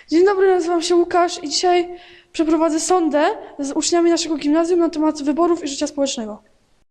Dzień dobry, nazywam się Łukasz i dzisiaj przeprowadzę sondę z uczniami naszego gimnazjum na temat wyborów i życia społecznego.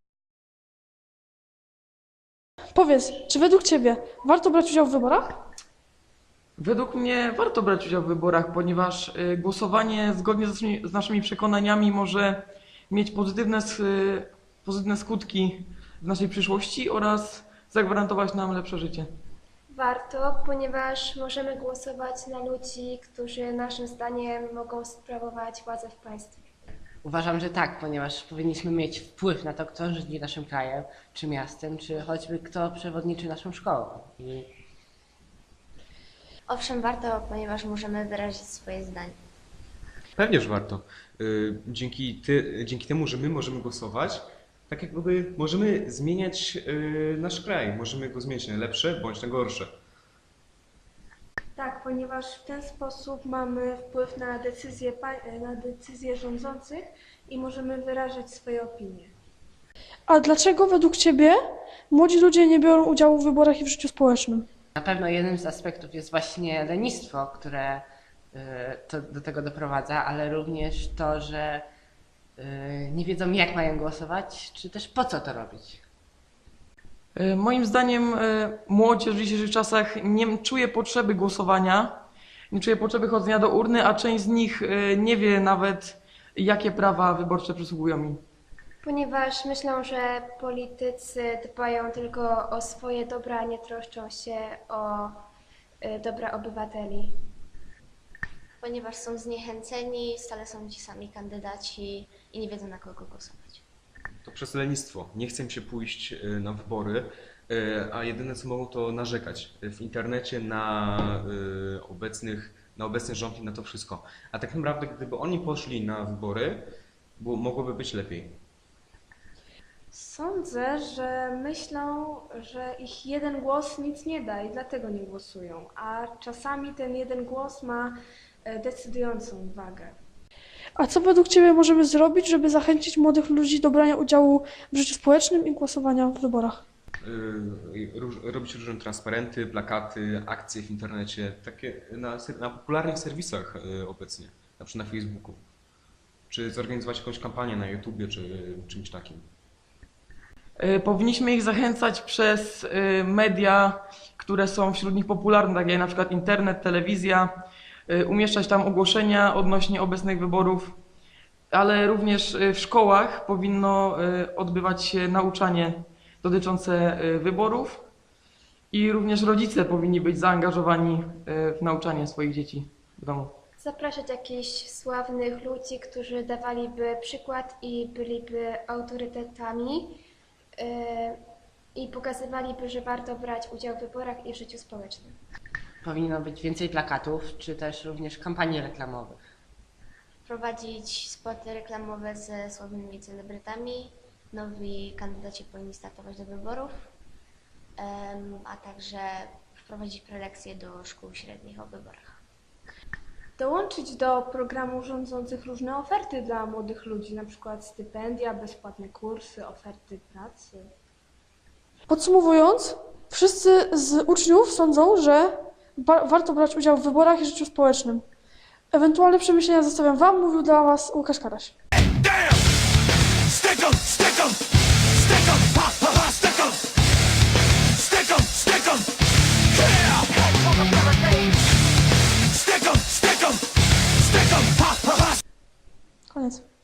Powiedz, czy według Ciebie warto brać udział w wyborach? Według mnie warto brać udział w wyborach, ponieważ głosowanie zgodnie z naszymi przekonaniami może mieć pozytywne skutki w naszej przyszłości oraz zagwarantować nam lepsze życie. Warto, ponieważ możemy głosować na ludzi, którzy naszym zdaniem mogą sprawować władzę w państwie. Uważam, że tak, ponieważ powinniśmy mieć wpływ na to, kto rządzi naszym krajem, czy miastem, czy choćby kto przewodniczy naszą szkołą. Owszem, warto, ponieważ możemy wyrazić swoje zdanie. Pewnie, że warto. Dzięki temu, że my możemy głosować, tak jakby możemy zmieniać nasz kraj. Możemy go zmieniać na lepsze bądź na gorsze. Tak, ponieważ w ten sposób mamy wpływ na decyzje rządzących i możemy wyrażać swoje opinie. A dlaczego według Ciebie młodzi ludzie nie biorą udziału w wyborach i w życiu społecznym? Na pewno jednym z aspektów jest właśnie lenistwo, które do tego doprowadza, ale również to, że nie wiedzą, jak mają głosować, czy też po co to robić. Moim zdaniem młodzież w dzisiejszych czasach nie czuje potrzeby głosowania, nie czuje potrzeby chodzenia do urny, a część z nich nie wie nawet, jakie prawa wyborcze przysługują im. Ponieważ myślą, że politycy dbają tylko o swoje dobra, a nie troszczą się o dobra obywateli. Ponieważ są zniechęceni, stale są ci sami kandydaci i nie wiedzą, na kogo głosować. To przez lenistwo. Nie chcę się pójść na wybory, a jedyne co mogą to narzekać w internecie na obecny rząd i na to wszystko. A tak naprawdę gdyby oni poszli na wybory, mogłoby być lepiej. Sądzę, że myślą, że ich jeden głos nic nie da i dlatego nie głosują, a czasami ten jeden głos ma decydującą wagę. A co według Ciebie możemy zrobić, żeby zachęcić młodych ludzi do brania udziału w życiu społecznym i głosowania w wyborach? Robić różne transparenty, plakaty, akcje w internecie, takie na popularnych serwisach obecnie, na przykład na Facebooku. Czy zorganizować jakąś kampanię na YouTubie, czy czymś takim. Powinniśmy ich zachęcać przez media, które są wśród nich popularne, takie jak na przykład internet, telewizja, umieszczać tam ogłoszenia odnośnie obecnych wyborów, ale również w szkołach powinno odbywać się nauczanie dotyczące wyborów i również rodzice powinni być zaangażowani w nauczanie swoich dzieci w domu. Zapraszać jakichś sławnych ludzi, którzy dawaliby przykład i byliby autorytetami i pokazywaliby, że warto brać udział w wyborach i w życiu społecznym. Powinno być więcej plakatów, czy też również kampanii reklamowych. Prowadzić spoty reklamowe ze sławnymi celebrytami. Nowi kandydaci powinni startować do wyborów, a także wprowadzić prelekcje do szkół średnich o wyborach. Dołączyć do programu rządzących różne oferty dla młodych ludzi, na przykład stypendia, bezpłatne kursy, oferty pracy. Podsumowując, wszyscy z uczniów sądzą, że warto brać udział w wyborach i życiu społecznym. Ewentualne przemyślenia zostawiam Wam, mówił dla Was Łukasz Karaś. Stick 'em, stick 'em, stick 'em, ha ha ha, stick 'em, stick 'em, stick 'em, yeah. Stick 'em, stick 'em, stick 'em, ha ha ha. Koniec.